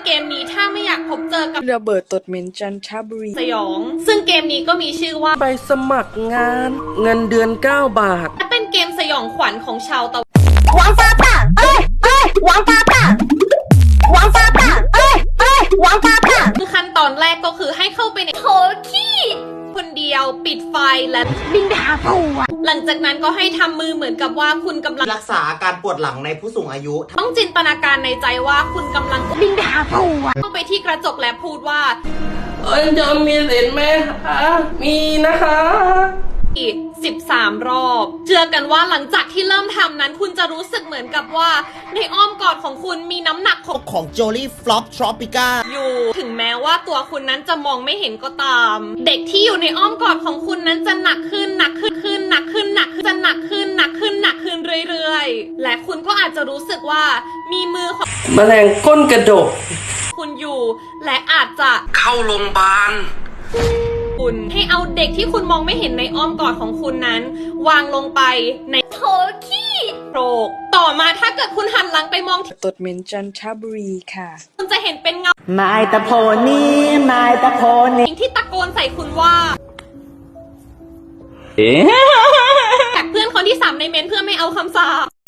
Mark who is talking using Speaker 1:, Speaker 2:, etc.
Speaker 1: เกมนี้ถ้าไม่อยากพบเจอกับ
Speaker 2: ระเบิดตดเหม็นจันทบุรี
Speaker 1: สยองซึ่งเกมนี้ก็มีชื่อว่า
Speaker 3: ไปสมัครงานเงินเดือน9 บาท
Speaker 1: และเป็นเกมสยองขวัญของชาวตะวัน
Speaker 4: 王八蛋！王八蛋！王八蛋！王八蛋！
Speaker 1: คือขั้นตอนแรกก็คือให้เข้าไปในโถขี้คนเดียวปิดไฟและ
Speaker 4: บินไปหาผัว
Speaker 1: หลังจากนั้นก็ให้ทำมือเหมือนกับว่าคุณกำลัง
Speaker 5: รักษาอาการปวดหลังในผู้สูงอายุ
Speaker 1: ต้องจินตนาการในใจว่าคุณกำลัง
Speaker 4: บินไปหาผัว
Speaker 1: เข้าไปที่กระจกและพูดว่า
Speaker 3: จะมีเหรียญไหมคะมีนะคะ
Speaker 1: อีก13 รอบเชื่อกันว่าหลังจากที่เริ่มทำนั้นคุณจะรู้สึกเหมือนกับว่าในอ้อมกอดของคุณมีน้ำหนัก
Speaker 5: ของโจลี่ฟลอปทรอปิก้า
Speaker 1: อยู่ถึงแม้ว่าตัวคุณนั้นจะมองไม่เห็นก็ตามเด็กที่อยู่ในอ้อมกอดของคุณนั้นจะหนักขึ้นหนักขึ้นหนักขึ้นหนักขึ้นจะหนักขึ้นหนักขึ้นหนักขึ้นเรื่อยๆและคุณก็อาจจะรู้สึกว่ามีมือของ
Speaker 3: แมลงก้นกระดก
Speaker 1: คุณอยู่และอาจจะ
Speaker 3: เข้าโรงพยาบาล
Speaker 1: คุณให้เอาเด็กที่คุณมองไม่เห็นในอ้อมกอดของคุณนั้นวางลงไปในโถขี้โครกต่อมาถ้าเกิดคุณหันหลังไปมอง
Speaker 2: ตดเหม็นจันทบุรีค่ะ
Speaker 1: คุณจะเห็นเป็นเงาน
Speaker 4: ายตะโพนี่นายตะโพนี่
Speaker 1: ที่ตะโกนใส่คุณว่าแท็กเพื่อนคนที่3ในเมนเพื่อไม่เอาคำสาป